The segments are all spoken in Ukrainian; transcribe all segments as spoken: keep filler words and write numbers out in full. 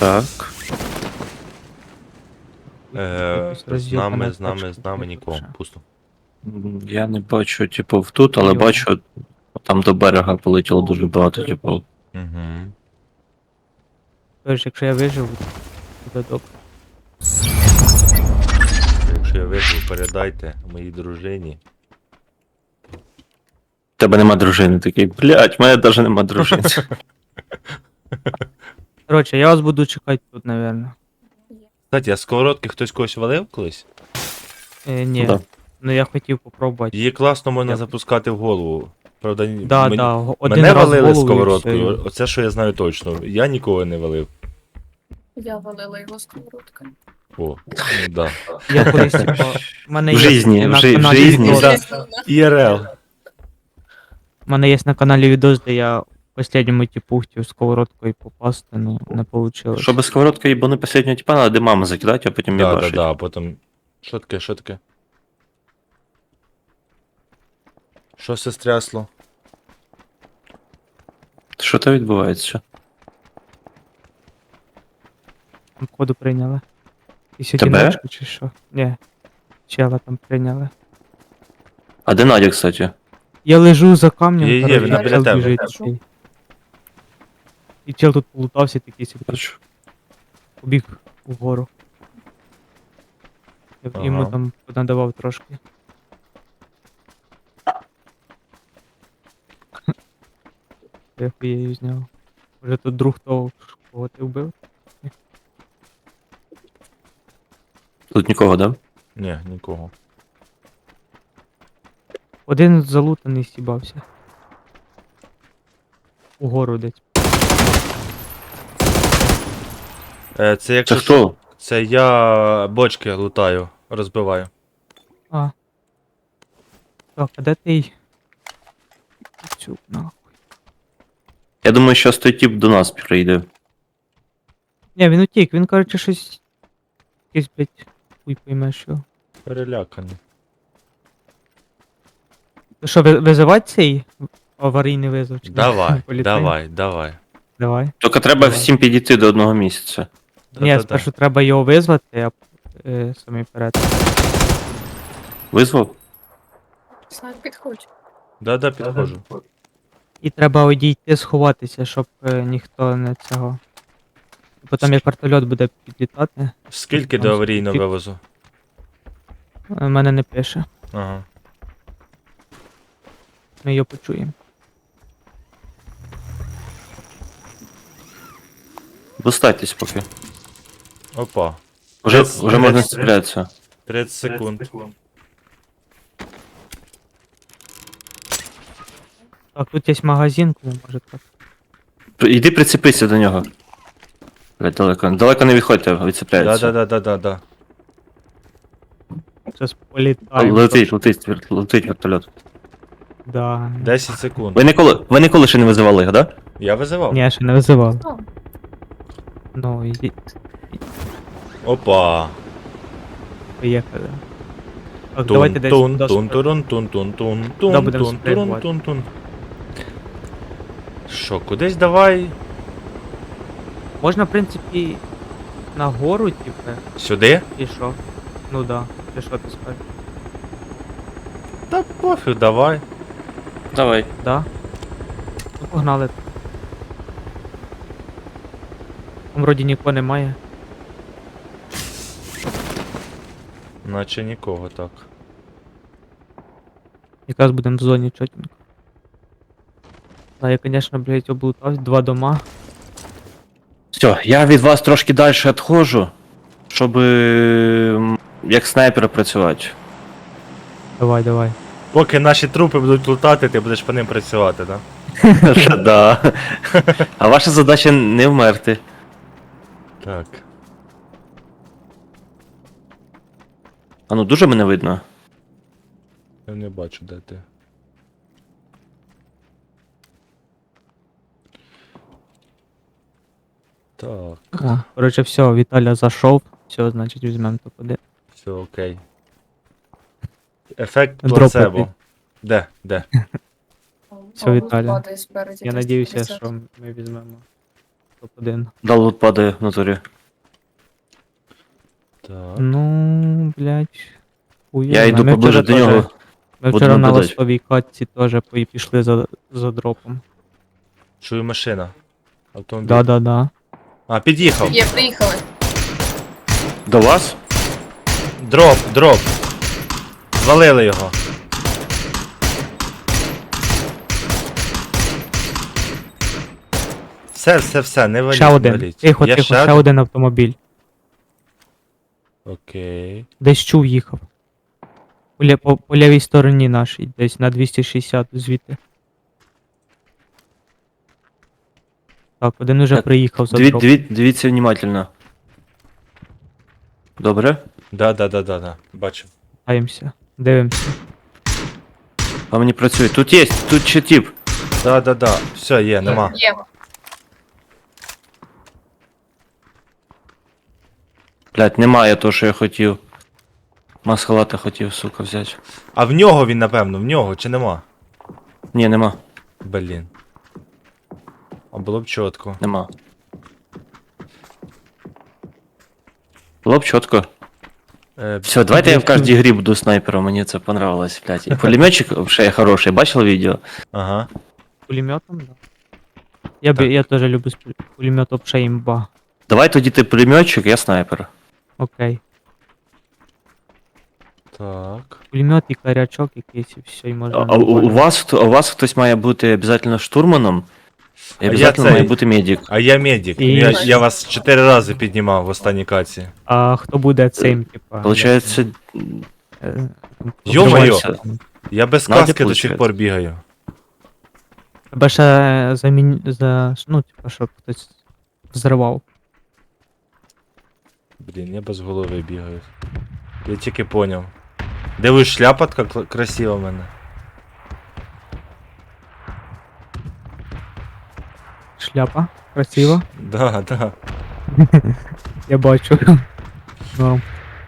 Так. Е, Якось з роз'єбана нами, з нами, тачка, з нами тут нікого. вже. Пусто. М, Я не бачу, типу, тут, але Йо. бачу, там до берега полетіло дуже багато, типу. Угу. Тож, якщо я виживу, буде добре. Якщо я виживу, передайте моїй дружині. Тебе нема дружини, такий, блять, в мене навіть нема дружини. Коротше, я вас буду чекати тут, напевно. Кстати, а сковородки хтось когось валив колись? Е, ні. Да. Ну я хотів попробувати. Її класно можна Я- запускати в голову. Правда, ні- Да, мені- да, го- один мене раз валили голову і сковородкою, все. оце що я знаю точно. Я нікого не валив. Я валила його сковородкою. О, ну да. Я колись, типу, в мене В є житті, на в жи- в каналі житті, відос. да. І Р Л. У мене є на каналі відос, де я в останньому типу хотів сковородкою попасти, ну не вийшло. Щоб сковородка їбани последнього типа, надо димами закидати, а потім Да, да, їбашить. да, а потім. Що таке, що таке? Що се стрясло? Що то відбувається? Там коду прийняли. І Тебе? сьогодні чи що? Ні. Чела там прийняли. А де Надя, кстати? Я лежу за камнем, Є, є, коротше, вона а біля чел тебе. біжить такий. І чел тут полутався такий собі, Бачу. побіг вгору. Я б йому Ага. там надавав трошки. Я хуєю зняв. Може тут друг того, кого ти вбив? Тут нікого, да? Ні, нікого. Один залутаний стібався. Угору десь. Е, це якщо. Це хто? Це я бочки лутаю, розбиваю. А. Так, а де ти? Цю нахуй. Я думаю, що той тип до нас прийде. Ні, він утік, він, коротше, щось. Якийсь, блядь, хуй пойме, що. Переляканий. То що, ви- визивати цей аварійний визов? чи ні? Давай, Поліцейний? давай, давай. Давай. Тільки треба Давай. всім підійти до одного місяця. Ні, Да-да-да. спершу треба його визвати, а е, самі вперед. Визвав? Знак, підходь. Да-да, підходжу. І треба одійти, сховатися, щоб е, ніхто не цього. Бо там як вертольот буде підлітати, Скільки Там до аварійного скільки? вивозу? е, мене не пише. Ага. Ми його почуємо. Достайтесь поки. Опа. Уже, Тридцять- вже можна тридцять- стрілятися. тридцять секунд. Так, тут є магазин, кому може так. Іди прицепися до нього. Блядь, далеко. Далеко не відходьте, відцепляється. Да-да-да-да-да. Зараз політаємо. Летить, летить, вер- летить вертольот. Да. десять секунд. Ви ніколи, ви ніколи ще не визивали їх, да? Я визивав. Ні, ще не визивав. О, Ну, і Опа. поїхали. Так, Тун, давайте десь тун, до тун, спри- турун, тун, тун, тун, тун, Да, будемо тун, турун, спрямувати. тун, тун. Що, кудись давай? Можна, в принципі, на гору, типу, Сюди? і що? Ну да, чи що ти скажеш? Та пофіг, давай. Давай. Да? Ну погнали. Там вроді нікого немає. Наче нікого так. Якраз будемо в зоні чотенько. Да, я, конечно, блядь, облутався, два дома. Все, я від вас трошки далі відходжу, щоб м, як снайпер працювати. Давай, давай. Поки наші трупи будуть лутати, ти будеш по ним працювати, да? Да. А ваша задача не вмерти. Так. А ну дуже мене видно. Я не бачу, де ти. Так, О, короче, все, Віталя зайшов. Все, значить, візьмемо топ один. все окей. Ефект Дропати. плацебо. Де? Де? Все, Павло Віталя. падає спереді, Я десь надіюся, п'ятдесят. що ми візьмемо. топ-один. Далут падає в натурі. Так. Ну, блядь. хуй Я його йду знає. Ми поближе вчора до нього. теж- Ми буду вчора на наблюдати. ластовій катці теж пої- пішли за, за дропом. Чую машина. Автомобіль. Да-да-да. А, під'їхав. Є, приїхали. До вас? Дроп, дроп. Звалили його. Все, все, все, не валіть, Ще не один. валіть. Тихо, Є тихо, ще ще один? один автомобіль. Окей. Десь чув їхав. По, лє- по, по лівій стороні нашій, десь на двісті шістдесят звідти. Так, один уже Так, приїхав за Дві, дроп. дві, дивіться внимательно. Добре? Да, да, да, да, да. Бачу. Даємося. Дивимося. А мені працює. Тут є, тут ще тип. Да, да, да. Все, є, нема. Є. Блять, немає того, що я хотів. Масхалата хотів, сука, взяти. А в нього він, напевно, в нього, чи нема? Ні, нема. Блін. А було б чітко. Нема. Було б чітко. Е, Все, давайте я в кожній грі буду снайпером, мені це понравилось, блядь. І пулеметчик ще хороший, бачили відео? Ага. Пулеметом, да. Я, б, Так. я теж люблю з пуль- пулеметом ще імба. Давай тоді ти пулеметчик, я снайпер. Окей. Так. Пулемет і корячок якийсь, і все, і можна. А, у, у, вас, хто- у вас хтось має бути обов'язково штурманом, і я обов'язково цей. має бути медик. А я медик. І- Я, я вас чотири рази піднімав в останній каці. А хто буде цим, типа? Получається, е, Йо-моє! покриватися? Я без Надя каски до получається. сих пор бігаю. Тебе ще замін... за... ну, типа, щоб хтось взривав. Блін, я без голови бігаю. Я тільки поняв. Дивись, шляпа така кла- красива в мене. Шляпа. Красиво. Да, да. Я бачу. Норм.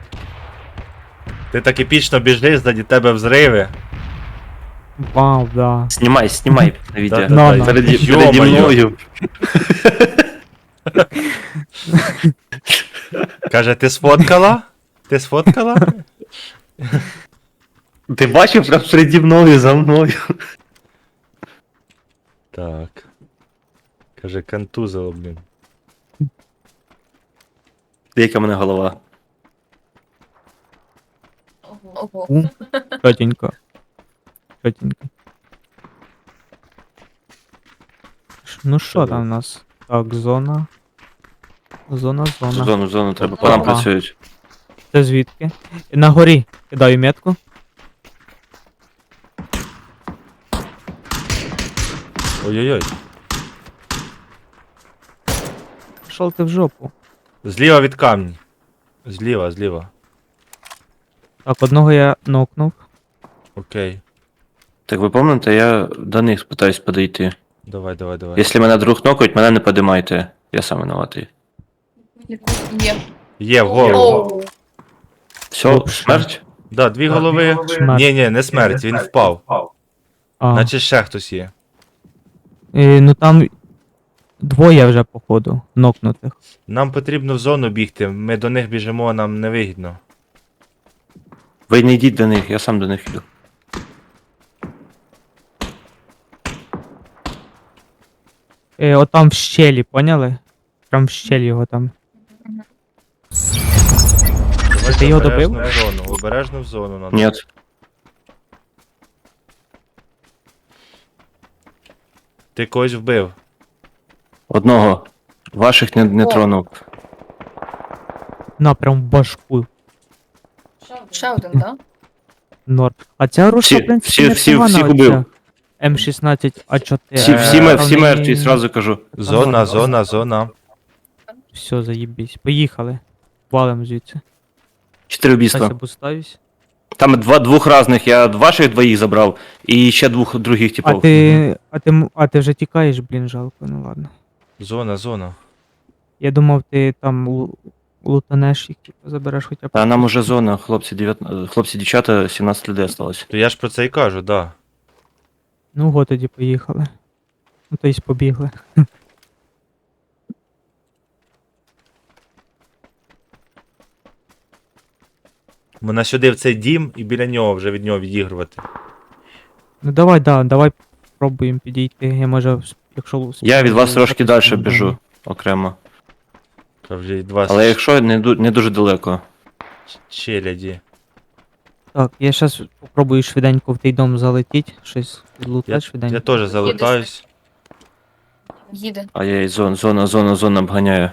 Ти так епічно біжиш, ззаді тебе взриви. Вау, да. знімай, знімай на відео. Да, да, На, да. на. Переді, переді Йо-моє. мною. Каже, ти сфоткала? Ти сфоткала? Ти бачив прям переді мною, за мною. Так. Каже, контузило, блін. Яка в мене голова. Ого. У, Чотенько. Чотенько. Ш- Ну що там у нас? Так, зона. Зона, зона. Зону, зону треба, по нам Ага. працюють. Це звідки? На горі. Кидаю метку. Ой-ой-ой. Пішов ти в жопу. Зліва від камні. Зліва, зліва. Так, одного я нокнув. Окей. Так ви пам'ятаєте, я до них питаюсь подойти. Давай, давай, давай. Якщо мене друг нокають, мене не подимайте. Я сам винуватий. Є. Є, в голову. Оу. Все, Вообще. смерть? Да, дві голови. Смерть. Ні, ні, не смерть, він впав. А, Наче ще хтось є. е, ну там двоє вже, походу, нокнутих. Нам потрібно в зону бігти, ми до них біжимо, нам не вигідно. Ви не йдіть до них, я сам до них йду. Е, отам в щелі, поняли? Прям в щелі його там. Давайте Ти його обережно добив? в зону, обережно в зону надо. Ні. Ти когось вбив. Одного. Ваших не, не О. тронув. На, прям в башку. Ще один, так? Норм. А ця рушка, Всі- в принципі, всі- всі- непогана, всіх убив. оця М шістнадцять А чотири. Всі, всі, мер- всі Вони- мертві, сразу кажу. Зона, зона, зона. Все, заїбись. Поїхали. Валим звідси. Чотири Зараз я убійства. буставюсь. Там два двох разних, я ваших двоїх забрав, і ще двох других А типов. ти, а ти, м- а ти вже тікаєш, блін, жалко, ну ладно. Зона, зона. Я думав, ти там лу- лутанеш їх, типу, забереш хоча б. А нам уже зона, хлопці, дев'ятнадцять, хлопці, дівчата, сімнадцять людей осталось. То я ж про це і кажу, да. Ну го тоді поїхали. Ну то й побігли. Мене сюди в цей дім і біля нього вже від нього відігрувати. Ну давай, да, давай пробуємо підійти. Я може, якщо... Я успію, від вас трошки далі запустимо, біжу давай. окремо. Та вже від вас Але якщо не, ду- не дуже далеко. челяді. Так, я зараз попробую швиденько в той дом залетіти, щось Я, відлутати швиденько. я теж залутаюсь. Їде. А я і зон, зона, зона, зона обганяю.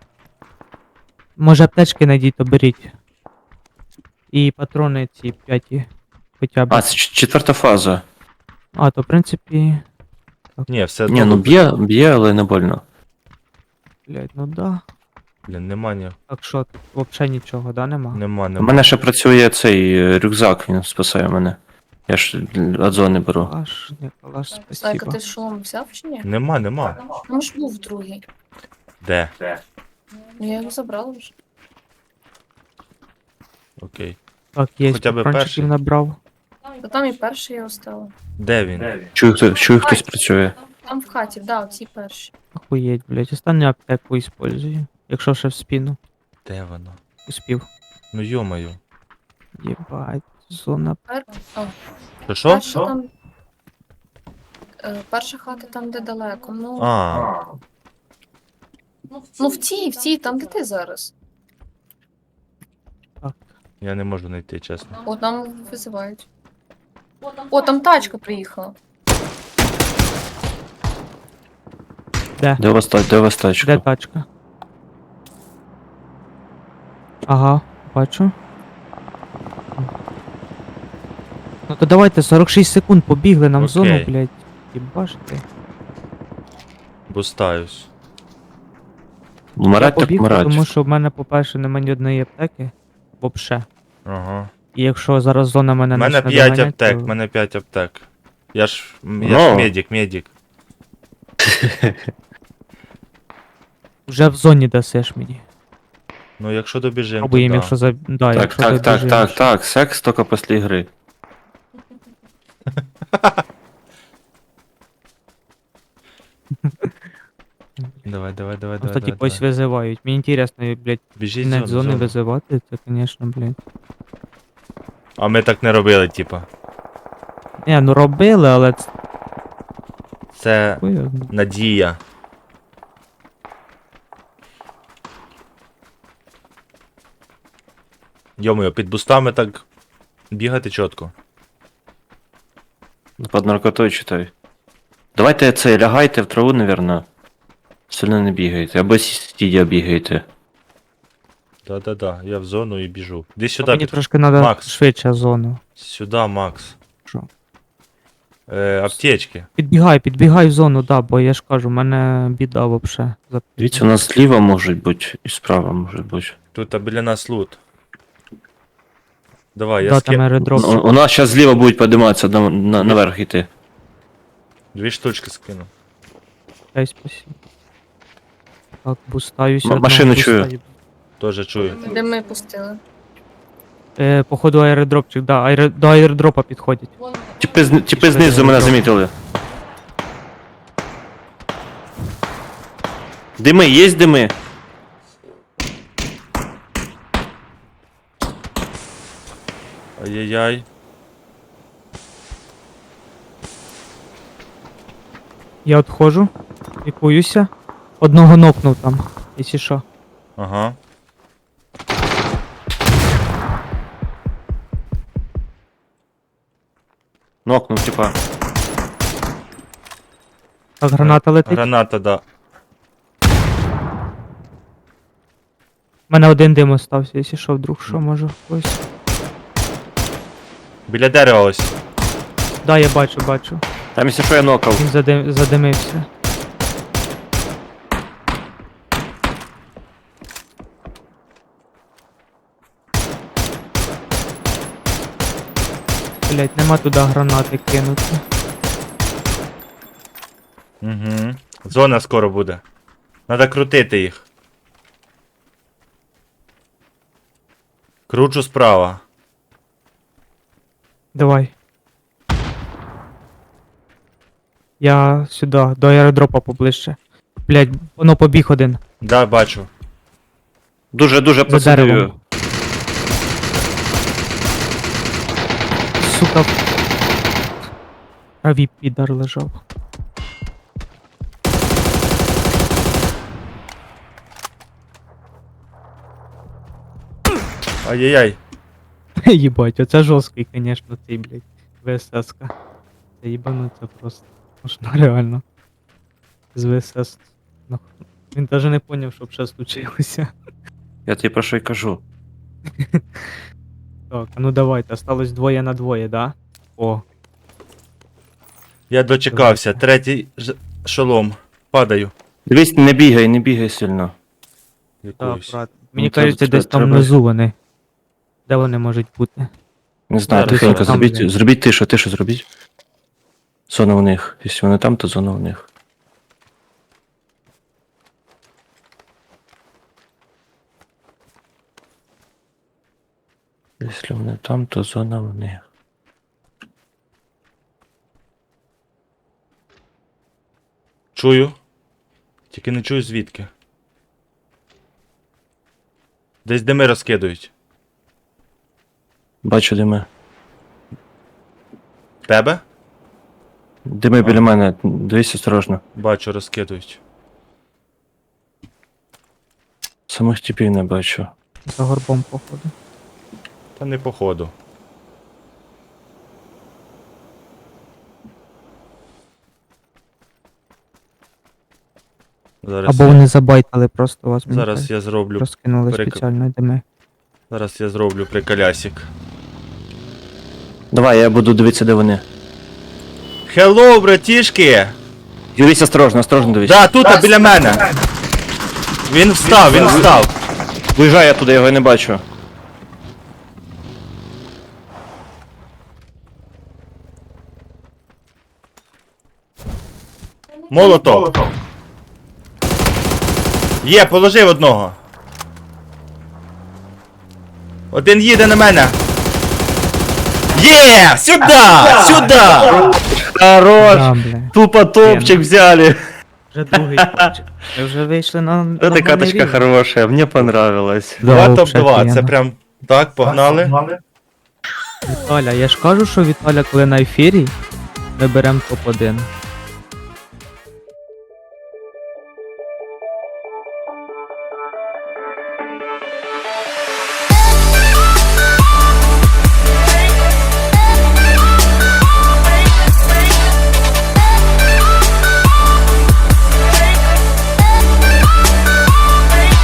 Може аптечки знайдіть, то беріть. І патрони ці п'яті. Хоча б. А, це ч- четверта фаза. А, то в принципі. Ні, все Ні, ну б'є, б'є, але не больно. Блять, ну да. Блін, нема ні. Так що, тут взагалі нічого, да, нема? Нема, У нема. мене ще працює цей е, рюкзак, він спасає мене. Я ж від зони беру. Калаш, не калаш, Слайка, спасибо. ти шолом взяв чи ні? Нема, нема. Там ж був другий. Де? Ну я його забрала вже. Окей. Так, є Хоча б перший. патрончиків набрав. Та там і перший я оставила. Де він? Чую, хто, чую хтось працює. Там в хаті, да, ці перші. Охуєть, блять. Останню аптеку использую. Якщо ще в спину Де воно? успів. Ну йомаю. Єбать, зона. Пер... А, То що? перша там. Е, перша хата там, де далеко. Ну, А, ну в цій, в цій, там, де ти зараз. я не можу знайти, чесно. О, там визивають. О, там тачка приїхала. Де? Де у вас, та- де у вас Де тачка? тачка? Ага, бачу. Ну то давайте сорок шість секунд побігли нам в зону, Окей. блять. Єбаш ти. Бустаюсь. Вмирать Я так побіг, вмирать. тому що в мене, по-перше, немає ні одної аптеки. Вообще. Ага. І якщо зараз зона мене У мене почне п'ять доганяти, аптек, то- в мене п'ять аптек. Я ж. м, Я ж Ну. медик, медик. Вже в зоні дасиш мені. Ну якщо добіжимо, то Пробуємо, да. якщо за. Да, Так, якщо так, так, добіжимо, так, що- так. Секс тільки після гри. Давай, давай, давай, Просто давай. типу ось давай. визивають. Мені інтересно, блять, Біжіть кінець зону, зони зону. визивати, це, звісно, блять. А ми так не робили, типа. Не, ну робили, але це Це хуйовно. надія. Йомою, під бустами так бігати чітко. Під наркотою читай. Давайте це, лягайте в траву, навірно. Сильно не бігайте. Або сидя бігайте. Да-да-да, я в зону і біжу. Іди сюди, Мені під... трошки треба Макс. швидше зону. сюди, Макс. Що? Е, аптечки. Підбігай, підбігай в зону, да, бо я ж кажу, в мене біда вообще. За- Дивіться, у нас зліва можуть бути, і справа може бути. Тут а біля нас лут. Давай, я Да, ски... там аеродроп. У, у нас зараз зліва будуть підійматися на, на, наверх йти. Дві штучки скину. Дай спасибо. Так, бустаюсь. М- одного машину чую. бустаю. Тоже чую. Де ми пустили? Е, походу аеродропчик, да, аеро... до аеродропа підходять. Тіпи, зни- тіпи знизу мене замітили. Дими, є дими? Ай-яй-яй. Я відходжу, лікуюся. Одного нокнув там, якщо що. Ага. Нокнув, типа. Так, граната летить. Граната, да. У мене один дим остався, якщо що, вдруг що, може хтось. Біля дерева ось. Да, я бачу, бачу. Там, якщо що, я нокав. Він задим... задимився. Блять, нема туди гранати кинути. Угу. Зона скоро буде. Надо крутити їх. Кручу справа. Давай. Я сюди, до аеродропа поближче. Блять, воно побіг один. Да, бачу. Дуже-дуже За посадив. деревом. сука, в траві підар лежав. Ай-яй-яй. Єбать, оце жорсткий, конечно, цей, блядь, ВСС-ка. Це їбануться просто. Можна реально. З ВСС. Ну, він даже не поняв, що б ще случилося. Я тобі про що й кажу. Так, а ну давайте, осталось двоє на двоє, да? О, Я дочекався. Третій ж... шолом. Падаю. Дивись, не бігай, не бігай сильно. так, Якусь. брат. Мені Ну, треба- кажеться, десь там треба- внизу вони. Де вони можуть бути? Не знаю, Зараз тихенько, там, зробіть, блядь. зробіть тишу, тишу зробіть. Зона у них. Якщо вони там, то зона у них. Якщо вони там, то зона у них. Чую. Тільки не чую звідки. Десь дими розкидують. Бачу дими. Тебе? Дими біля мене, дивись осторожно. Бачу, розкидують. Самих типів не бачу. За горбом, походу. Та не походу. Зараз, Або вони забайтали просто вас. мені зараз кажеться. я зроблю. Розкинули перек- спеціально дими. Зараз я зроблю приколясик. Давай, я буду дивитися, де вони. Хеллоу, братішки! Дивись осторожно, осторожно дивись. Да, тут, а біля мене. Він встав, він встав. Виїжджай я туди, я його не бачу. Молотов. Є, положив одного. Один їде на мене. Є! Сюди! Сюди! Хорош! Да, бля. Тупо топчик взяли. Вже другий топчик. Ми вже вийшли на. на Эта каточка рівень. хорошая, мне понравилась. Да, Два вообще топ-два, це офігенно. прям так, погнали. Віталя, я ж кажу, що Віталя, коли на ефірі, ми беремо топ один.